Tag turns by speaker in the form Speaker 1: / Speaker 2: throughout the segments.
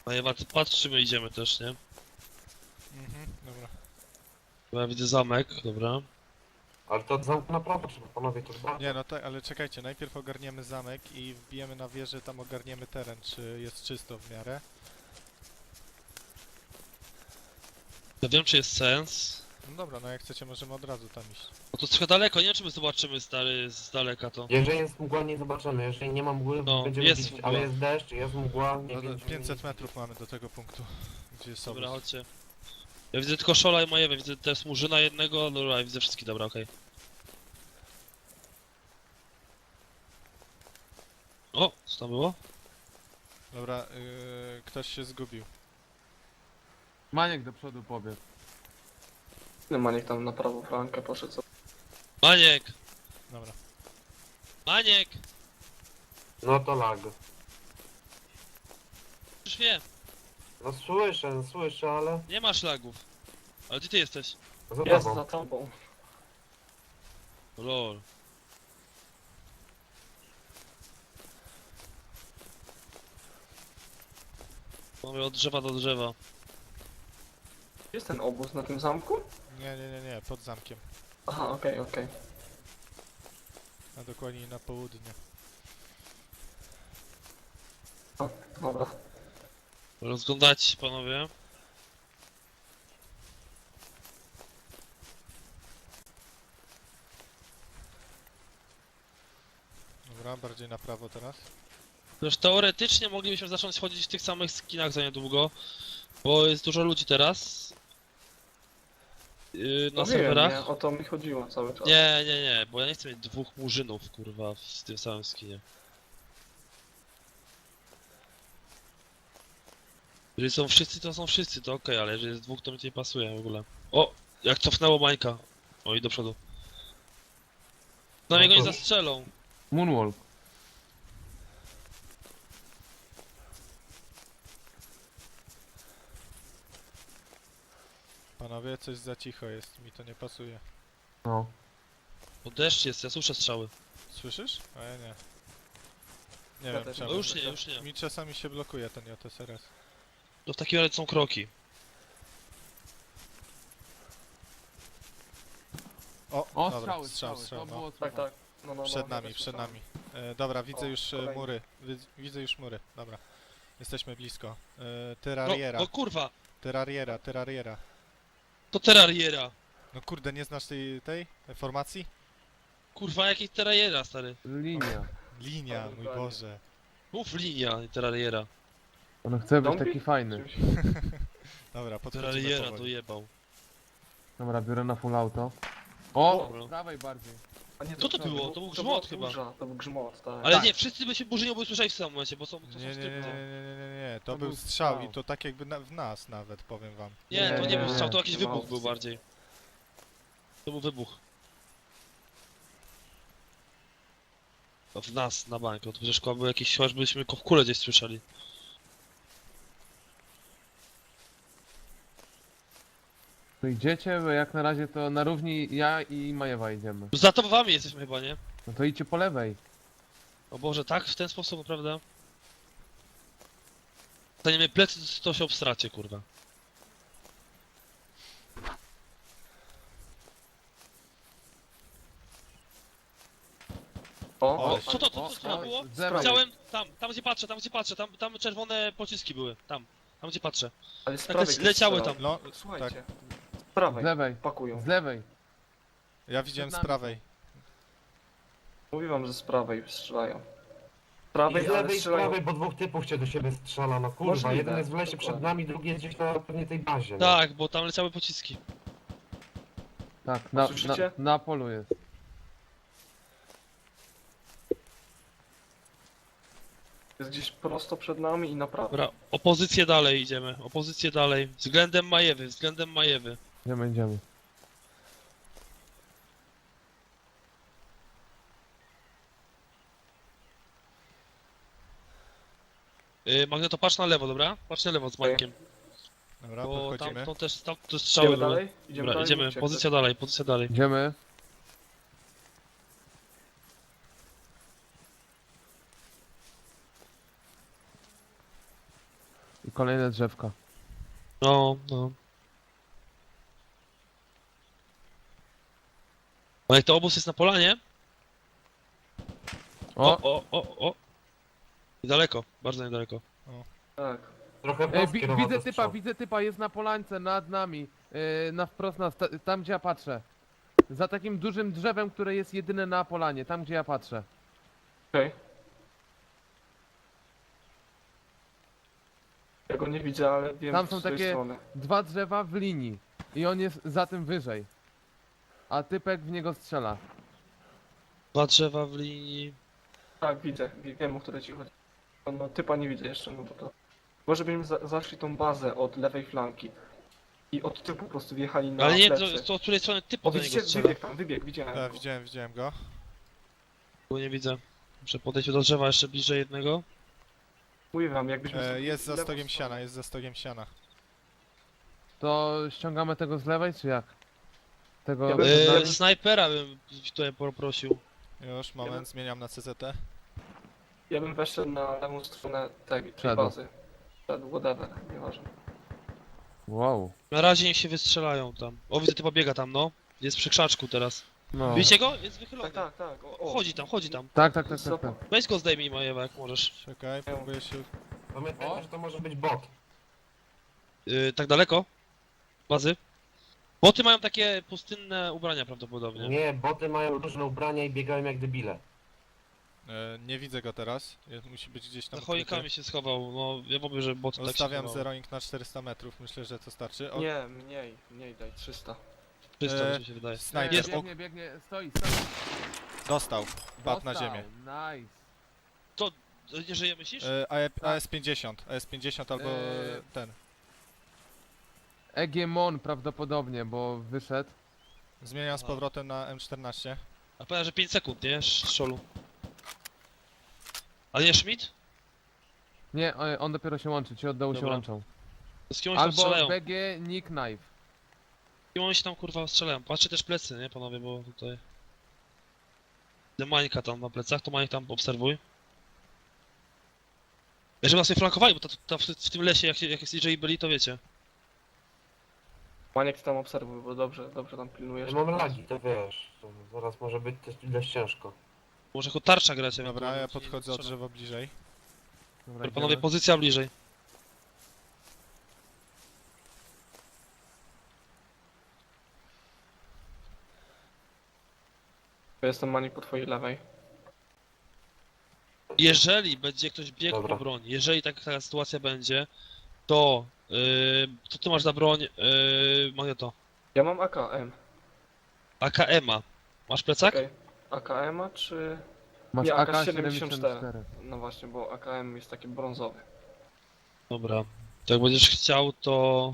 Speaker 1: Majewa, ty patrz, czy my idziemy też, nie?
Speaker 2: Dobra.
Speaker 1: Bo ja widzę zamek, dobra.
Speaker 3: Ale to od zamku na prawo trzeba, panowie, to bardzo.
Speaker 2: Nie no tak, ale czekajcie, najpierw ogarniemy zamek i wbijemy na wieżę, tam ogarniemy teren, czy jest czysto w miarę.
Speaker 1: Ja wiem, czy jest sens.
Speaker 2: No dobra, no jak chcecie możemy od razu tam iść.
Speaker 1: No to trochę daleko, nie wiem, czy my zobaczymy stary z daleka to.
Speaker 3: Jeżeli jest mgła, nie zobaczymy. Jeżeli nie ma mgły,
Speaker 1: No,
Speaker 3: będziemy
Speaker 1: jest
Speaker 3: widzieć,
Speaker 1: mgła.
Speaker 3: ale jest deszcz, jest mgła, nie
Speaker 2: No,
Speaker 3: będziemy
Speaker 2: 500
Speaker 3: nic
Speaker 2: metrów mamy do tego punktu, gdzie jest
Speaker 1: Dobra,
Speaker 2: obóz.
Speaker 1: chodźcie. Ja widzę tylko Szola i Majewę, widzę też Murzyna jednego, dobra, ja widzę wszystkich, dobra, okej. O, co tam było?
Speaker 2: Dobra, ktoś się zgubił.
Speaker 4: Maniek do przodu pobiegł.
Speaker 5: Maniek tam na prawo flankę poszedł.
Speaker 1: Maniek!
Speaker 2: Dobra.
Speaker 1: Maniek!
Speaker 3: No to lag.
Speaker 1: Już wiem,
Speaker 3: No słyszę, ale
Speaker 1: nie masz lagów. Ale gdzie ty jesteś?
Speaker 3: za
Speaker 5: Jest
Speaker 3: tobą.
Speaker 5: za tobą.
Speaker 1: Lol. Mamy od drzewa do drzewa.
Speaker 5: Jest ten obóz na tym zamku?
Speaker 2: Nie, pod zamkiem.
Speaker 5: Aha, okej.
Speaker 2: A dokładnie na południe.
Speaker 5: O, dobra.
Speaker 1: Rozglądać się, panowie.
Speaker 2: Dobra, bardziej na prawo teraz.
Speaker 1: Też teoretycznie moglibyśmy zacząć chodzić w tych samych skinach za niedługo, bo jest dużo ludzi teraz. Na
Speaker 5: No
Speaker 1: serwerach.
Speaker 5: wiem, nie, o to mi chodziło cały czas.
Speaker 1: Nie, bo ja nie chcę mieć dwóch murzynów, kurwa, w tym samym skinie. Jeżeli są wszyscy, to są wszyscy, to okej, ale jeżeli jest dwóch, to mi to nie pasuje w ogóle. O! Jak cofnęło Mańka. O, i do przodu. Na niego nie zastrzelą.
Speaker 4: Moonwalk.
Speaker 2: Panowie, coś za cicho jest, mi to nie pasuje.
Speaker 4: No.
Speaker 1: Bo deszcz jest, ja słyszę strzały.
Speaker 2: Słyszysz? A ja nie. Nie
Speaker 5: Ja
Speaker 2: wiem
Speaker 5: też
Speaker 2: czemu.
Speaker 1: O, już nie.
Speaker 2: Mi czasami się blokuje ten JSRS.
Speaker 1: To w takim razie są kroki.
Speaker 4: O,
Speaker 2: dobra,
Speaker 4: strzały,
Speaker 2: strzał,
Speaker 4: to
Speaker 2: no.
Speaker 4: było
Speaker 5: Tak, tak. No,
Speaker 2: Przed
Speaker 5: ja
Speaker 2: nami,
Speaker 5: też
Speaker 2: przed
Speaker 5: słyszałem.
Speaker 2: nami. Dobra, widzę
Speaker 5: O,
Speaker 2: już
Speaker 5: kolejny.
Speaker 2: mury. Widzę już mury, dobra. Jesteśmy blisko.
Speaker 1: No,
Speaker 2: Terrariera,
Speaker 1: o kurwa!
Speaker 2: terrariera.
Speaker 1: To terrariera!
Speaker 2: No kurde, nie znasz tej formacji?
Speaker 1: Kurwa, jakiej terrariera, stary?
Speaker 4: Linia.
Speaker 2: Linia,
Speaker 5: Ale
Speaker 2: mój
Speaker 5: dokładnie.
Speaker 2: Boże.
Speaker 1: Mów linia, nie terrariera.
Speaker 4: On chce być
Speaker 5: Zombie?
Speaker 4: taki fajny.
Speaker 2: Dobra, podchodzimy
Speaker 1: Terrariera
Speaker 2: powoli.
Speaker 1: dojebał.
Speaker 4: Dobra, biorę na full auto. O!
Speaker 1: Dobra.
Speaker 4: Z prawej bardziej.
Speaker 5: A nie,
Speaker 1: Co to było? To był
Speaker 5: była
Speaker 1: grzmot chyba.
Speaker 5: burza, to był grzmot, tak.
Speaker 1: Ale nie, wszyscy by się burzynią, bo usłyszeli w samym momencie, bo są, to są
Speaker 2: Nie,
Speaker 1: skrypty.
Speaker 2: to był strzał i to tak jakby w nas nawet, powiem wam.
Speaker 1: Nie, to nie był
Speaker 4: Nie,
Speaker 1: strzał, to jakiś
Speaker 5: nie ma
Speaker 1: wybuch był
Speaker 5: opcji.
Speaker 1: bardziej. To był wybuch. To w nas, na bank, to przecież był jakiś, chyba byśmy w kule gdzieś słyszeli.
Speaker 4: Tu idziecie, bo jak na razie to na równi ja i Majewa idziemy.
Speaker 1: Za to wami jesteśmy chyba, nie?
Speaker 4: No to idźcie po lewej.
Speaker 1: O Boże, tak? W ten sposób, prawda? Staniemy plecy, to się obstracie, kurwa.
Speaker 5: O,
Speaker 1: O, co to było?
Speaker 4: Z lewej.
Speaker 1: Widziałem, tam gdzie patrzę, tam czerwone pociski były, tam gdzie patrzę.
Speaker 5: ale z
Speaker 1: Tak
Speaker 5: prawej
Speaker 1: leciały
Speaker 5: ktoś
Speaker 1: tam.
Speaker 2: No,
Speaker 5: Słuchajcie. Z
Speaker 4: Z
Speaker 5: prawej,
Speaker 4: lewej.
Speaker 5: pakują.
Speaker 4: Z lewej.
Speaker 2: ja widziałem z
Speaker 4: nami
Speaker 2: prawej.
Speaker 5: Mówiłam, że z prawej strzelają. Z prawej,
Speaker 3: I z
Speaker 5: ale
Speaker 3: lewej i z
Speaker 5: strzelają.
Speaker 3: prawej, bo dwóch typów cię do siebie strzela, no kurwa.
Speaker 5: Możliwe,
Speaker 3: Jeden jest w lesie
Speaker 5: dokładnie.
Speaker 3: przed nami, drugi jest gdzieś na pewnie tej bazie. No.
Speaker 1: Tak, bo tam leciały pociski.
Speaker 4: Tak,
Speaker 5: Słyszycie?
Speaker 4: na polu jest.
Speaker 5: Jest gdzieś prosto przed nami i na prawo.
Speaker 1: Dobra, opozycję dalej idziemy, opozycję dalej. Względem Majewy.
Speaker 4: Idziemy.
Speaker 1: Magneto, patrz na lewo, dobra? Patrz na lewo z Mańkiem.
Speaker 2: Dobra,
Speaker 1: Bo tam
Speaker 2: podchodzimy.
Speaker 1: to też tam te strzały
Speaker 5: Idziemy
Speaker 1: były.
Speaker 5: dalej?
Speaker 1: Dobra,
Speaker 5: dalej?
Speaker 1: idziemy,
Speaker 5: Mówcie,
Speaker 1: pozycja dalej, pozycja dalej.
Speaker 4: Idziemy. I kolejne drzewka.
Speaker 1: No, no. A jak to obóz jest na polanie?
Speaker 4: O!
Speaker 1: O. Niedaleko, bardzo niedaleko.
Speaker 5: Tak.
Speaker 3: Trochę w nas kierował do strzału.
Speaker 4: Widzę typa, jest na polańce nad nami. Na wprost nas, tam gdzie ja patrzę. Za takim dużym drzewem, które jest jedyne na polanie, tam gdzie ja patrzę.
Speaker 5: Okej. Ja go nie widzę, ale wiem
Speaker 4: Tam
Speaker 5: z
Speaker 4: są
Speaker 5: której
Speaker 4: takie-
Speaker 5: strony.
Speaker 4: Dwa drzewa w linii. I on jest za tym wyżej. A typek w niego strzela.
Speaker 1: Dwa drzewa w linii.
Speaker 5: Tak, widzę. Wiem, o które ci chodzi. No, typa nie widzę jeszcze, no to... Może byśmy zaszli tą bazę od lewej flanki. I od tyłu po prostu wjechali na
Speaker 1: Ale nie,
Speaker 5: plecy.
Speaker 1: to od której strony typ
Speaker 5: O,
Speaker 1: do niego
Speaker 5: widzicie?
Speaker 1: strzela.
Speaker 5: Wybieg tam, widziałem
Speaker 2: Tak,
Speaker 5: go.
Speaker 2: widziałem go.
Speaker 1: Bo nie widzę. Muszę podejść do drzewa jeszcze bliżej jednego.
Speaker 5: Mówię wam, jakbyśmy... sobie
Speaker 2: Jest za
Speaker 5: lewą
Speaker 2: stogiem
Speaker 5: stronę-
Speaker 2: siana, jest za stogiem siana.
Speaker 4: To ściągamy tego z lewej, czy jak? Tego...
Speaker 5: Ja bym-
Speaker 4: przed nami?
Speaker 1: Snajpera bym tutaj poprosił.
Speaker 2: Już, moment, zmieniam na CZT.
Speaker 5: Ja bym weszedł na lewą stronę tej
Speaker 4: Wszedł.
Speaker 5: bazy. Wszedł, whatever, nieważne.
Speaker 4: Wow.
Speaker 1: Na razie niech się wystrzelają tam. O, widzę typa biega tam, no. Jest przy krzaczku teraz.
Speaker 4: No.
Speaker 1: Widzicie go? Jest wychylony.
Speaker 5: Tak. O,
Speaker 1: Chodzi tam.
Speaker 4: Tak.
Speaker 1: Weź go zdejmij, Majewa, jak możesz.
Speaker 2: Czekaj, próbuję się...
Speaker 3: Pamiętajcie, że to może być bot.
Speaker 1: Tak daleko? Bazy? Boty mają takie pustynne ubrania prawdopodobnie.
Speaker 3: Nie, boty mają różne ubrania i biegają jak debile.
Speaker 2: Nie widzę go teraz. Musi być gdzieś tam
Speaker 1: Za choikami się schował, no ja mówię, że boty tak się
Speaker 2: Ustawiam
Speaker 1: schowały.
Speaker 2: zeroing na 400 metrów, myślę, że to starczy. O,
Speaker 5: Nie, mniej daj, 300.
Speaker 1: 300 mi się wydaje.
Speaker 2: Snajper,
Speaker 1: Jest,
Speaker 4: Biegnie, stoi.
Speaker 2: dostał. Padł na
Speaker 4: Dostał.
Speaker 2: ziemię.
Speaker 4: Nice.
Speaker 1: Nie żyje, myślisz?
Speaker 2: AS-50, AS-50 albo ten.
Speaker 4: Egemon prawdopodobnie, bo wyszedł.
Speaker 2: Zmieniam z
Speaker 1: Aha.
Speaker 2: powrotem na M14.
Speaker 1: A powiem, że 5 sekund, nie? Szolu. A nie Schmidt?
Speaker 4: Nie, on dopiero się łączy, ci od dołu się
Speaker 1: Dobra.
Speaker 4: łączą.
Speaker 1: Z kim oni tam
Speaker 4: Albo
Speaker 1: strzelają?
Speaker 4: BG Nick Knife.
Speaker 1: Z kim oni się tam kurwa strzelają? Patrzcie też plecy, nie panowie, bo tutaj... Mańka tam na plecach, to Mańk tam obserwuj. Jeżeli nas nie flankowali, bo w tym lesie, jak jest DJ byli, to wiecie.
Speaker 5: Maniek tam obserwuj, bo dobrze tam pilnujesz.
Speaker 3: Ja mam lagi, to wiesz. To zaraz może być też dość ciężko.
Speaker 1: Może jako tarcza grać
Speaker 2: Dobra,
Speaker 1: ewentualnie,
Speaker 2: ja
Speaker 1: ci
Speaker 2: podchodzę o
Speaker 1: strzelam.
Speaker 2: drzewo bliżej.
Speaker 4: Dobra,
Speaker 1: Dobra, panowie,
Speaker 4: idziemy.
Speaker 1: pozycja bliżej.
Speaker 5: Ja jestem Maniek po twojej lewej.
Speaker 1: Jeżeli będzie ktoś biegł
Speaker 3: Dobra.
Speaker 1: po broń, jeżeli taka sytuacja będzie, to... co ty masz za broń? Magneto.
Speaker 5: Ja mam AKM.
Speaker 1: AKM-a. Masz plecak?
Speaker 5: Okej. AKM-a czy...
Speaker 4: Masz
Speaker 5: Nie,
Speaker 4: AK-74.
Speaker 5: No właśnie, bo AKM jest taki brązowy.
Speaker 1: Dobra. To jak będziesz chciał, to...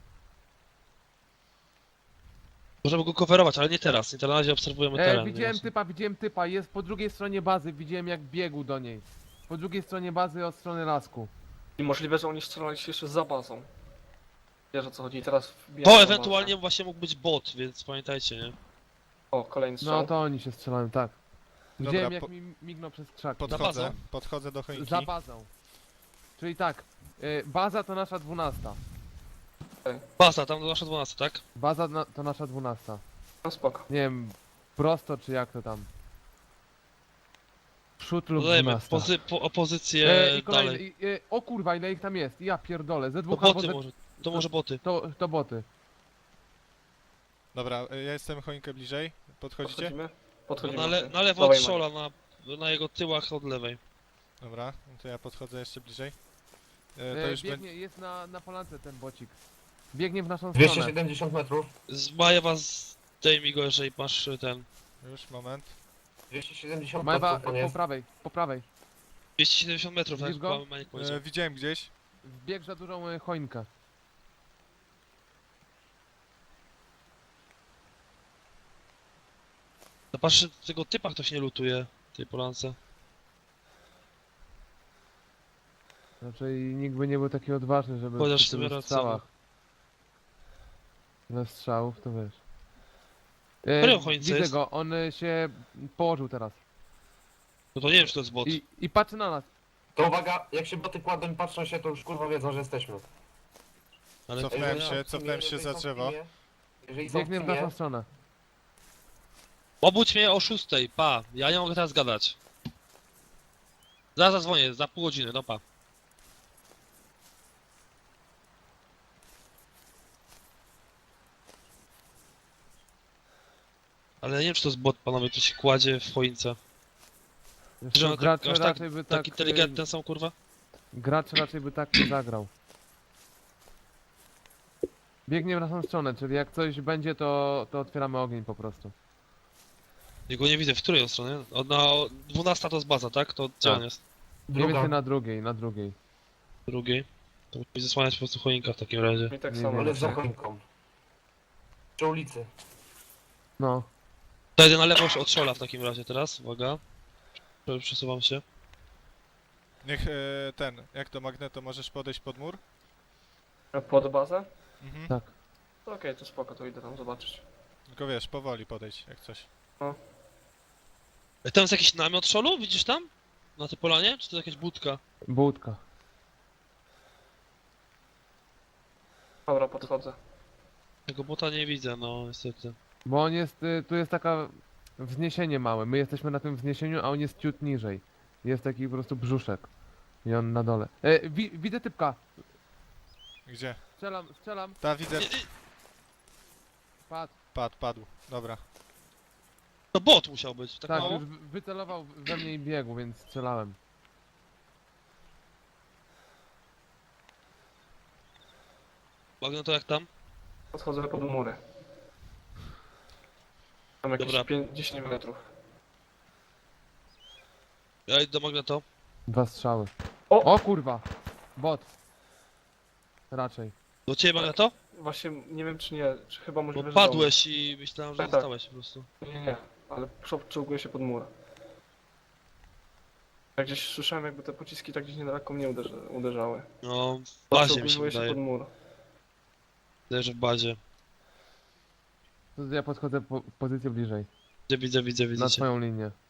Speaker 1: Możemy go coverować, ale nie teraz. Nie teraz, na razie obserwujemy teren.
Speaker 4: Widziałem typa, jest po drugiej stronie bazy, widziałem jak biegł do niej. Po drugiej stronie bazy od strony lasku.
Speaker 5: I możliwe, że oni strzelali się jeszcze za bazą. Wiesz o co chodzi, teraz wbijam
Speaker 1: To
Speaker 5: na
Speaker 1: ewentualnie
Speaker 5: bazę.
Speaker 1: właśnie mógł być bot, więc pamiętajcie, nie?
Speaker 5: O, kolejny strzał.
Speaker 4: No to oni się strzelają, tak. Widziałem
Speaker 2: Dobra,
Speaker 4: jak mi mignął przez krzak.
Speaker 2: Podchodzę, podchodzę do choinki.
Speaker 4: Za bazą. Czyli tak, baza to nasza 12.
Speaker 1: Baza, tam do nasza 12, tak?
Speaker 4: Baza to nasza 12.
Speaker 5: No spoko.
Speaker 4: Nie wiem, prosto czy jak to tam. Przód lub
Speaker 1: Dodajemy
Speaker 4: 12.
Speaker 1: opozycję
Speaker 4: I
Speaker 1: dalej.
Speaker 4: kolejny, o kurwa ile ich tam jest, ja pierdolę, ze
Speaker 1: To
Speaker 4: dwóch albo
Speaker 1: boty
Speaker 4: ze...
Speaker 1: może. To może boty.
Speaker 4: To boty.
Speaker 2: Dobra, ja jestem choinkę bliżej. Podchodzicie?
Speaker 5: Podchodzimy? Podchodzimy.
Speaker 1: Na lewo
Speaker 5: Dawaj,
Speaker 1: od Szola, na jego tyłach od lewej.
Speaker 2: Dobra, no to ja podchodzę jeszcze bliżej. To już
Speaker 4: Biegnie, jest na polance ten bocik. Biegnie w naszą stronę.
Speaker 3: 270 metrów.
Speaker 1: Z Majewa zdejmij go, jeżeli masz ten...
Speaker 2: Już, moment.
Speaker 3: 270
Speaker 4: Majwa,
Speaker 3: metrów on jest.
Speaker 4: po prawej.
Speaker 1: 270 metrów, tak?
Speaker 4: Widzisz go?
Speaker 1: Maniek powiedział.
Speaker 2: Widziałem gdzieś.
Speaker 4: Wbiegł za dużą choinkę.
Speaker 1: Zobaczcie, tego typa ktoś nie lutuje, tej polance.
Speaker 4: Znaczy nikt by nie był taki odważny, żeby
Speaker 1: Chociaż
Speaker 4: przy
Speaker 1: w sumie
Speaker 4: tylu
Speaker 1: racja,
Speaker 4: strzałach. Ile strzałów, to wiesz.
Speaker 1: Którego choince
Speaker 4: Widzę
Speaker 1: jest?
Speaker 4: go, on się położył teraz.
Speaker 1: No to nie wiem, czy to jest bot.
Speaker 4: I patrzy na nas.
Speaker 3: To uwaga, jak się boty kładą i patrzą się, to już kurwa wiedzą, że jesteśmy.
Speaker 1: Ale
Speaker 2: Cofnąłem
Speaker 1: kurwa,
Speaker 2: się,
Speaker 1: ja-
Speaker 2: cofnąłem się
Speaker 3: Jeżeli
Speaker 2: za
Speaker 3: są w
Speaker 2: drzewo.
Speaker 3: teamie- Jeżeli są w
Speaker 4: Biegnie w naszą
Speaker 3: teamie,
Speaker 4: stronę.
Speaker 1: Obudź mnie o 6, pa. Ja nie mogę teraz gadać. Zaraz zadzwonię, za pół godziny, no pa. Ale nie wiem, czy to jest bot, panowie, tu się kładzie w choince.
Speaker 4: Wiesz
Speaker 1: Że
Speaker 4: co,
Speaker 1: one
Speaker 4: gracz
Speaker 1: tak, aż tak,
Speaker 4: raczej by
Speaker 1: tak
Speaker 4: tak...
Speaker 1: inteligentne są, kurwa?
Speaker 4: Gracz raczej by tak nie zagrał. Biegnie w naszą stronę, czyli jak coś będzie, to otwieramy ogień po prostu.
Speaker 1: Ja go nie widzę, w której on stronie? Na 12 to jest baza, tak? To gdzie
Speaker 4: Tak.
Speaker 1: on jest?
Speaker 4: Mniej więcej
Speaker 3: druga,
Speaker 4: na drugiej, na drugiej.
Speaker 1: Drugiej. To musi zasłaniać po prostu choinka w takim razie.
Speaker 5: I tak
Speaker 4: Nie
Speaker 5: samo.
Speaker 4: wiem.
Speaker 3: ale za
Speaker 5: właśnie.
Speaker 3: choinką. Przy ulicy.
Speaker 4: No.
Speaker 1: To jedę na lewo od Szola w takim razie teraz, uwaga. Przesuwam się.
Speaker 2: Niech jak to Magneto, możesz podejść pod mur?
Speaker 5: Pod bazę?
Speaker 2: Mhm.
Speaker 4: Tak.
Speaker 5: To okej, to spoko, to idę tam zobaczyć.
Speaker 2: Tylko wiesz, powoli podejdź, jak coś.
Speaker 1: Tam jest jakiś namiot Szolu, widzisz tam? Na tej polanie? Czy to jakaś budka?
Speaker 4: Budka.
Speaker 5: Dobra, podchodzę.
Speaker 1: Tego bota nie widzę, no niestety.
Speaker 4: Bo on jest, tu jest taka wzniesienie małe. My jesteśmy na tym wzniesieniu, a on jest ciut niżej. Jest taki po prostu brzuszek. I on na dole. Widzę typka.
Speaker 2: Gdzie?
Speaker 4: Strzelam.
Speaker 2: Ta, widzę.
Speaker 4: Padł.
Speaker 2: Padł. Dobra.
Speaker 1: To bot musiał być, tak
Speaker 4: Tak,
Speaker 1: mało?
Speaker 4: już wycelował we mnie i biegł, więc strzelałem.
Speaker 1: Bagno to jak tam?
Speaker 5: Podchodzę pod mury. Tam jakieś
Speaker 1: Dobra.
Speaker 5: 10 metrów.
Speaker 1: Ja idę do Magneto.
Speaker 4: 2 strzały.
Speaker 5: O!
Speaker 4: O kurwa! Bot. Raczej.
Speaker 1: Do ciebie Magneto?
Speaker 5: Właśnie nie wiem czy nie, czy chyba
Speaker 1: Bo
Speaker 5: możliwe, że
Speaker 1: padłeś i myślałem, że
Speaker 5: Tak, tak.
Speaker 1: zostałeś po prostu.
Speaker 5: do mnie. Nie, ale czołguję się pod mur. Ja gdzieś słyszałem jakby te pociski tak gdzieś niedaleko mnie uderzały.
Speaker 1: No, w bazie mi się
Speaker 5: Czołguję się
Speaker 1: wydaje.
Speaker 5: pod mur.
Speaker 1: Wydaje, że w bazie.
Speaker 4: To ja podchodzę pozycję bliżej.
Speaker 1: Widzę
Speaker 4: Na
Speaker 1: cię.
Speaker 4: twoją linię.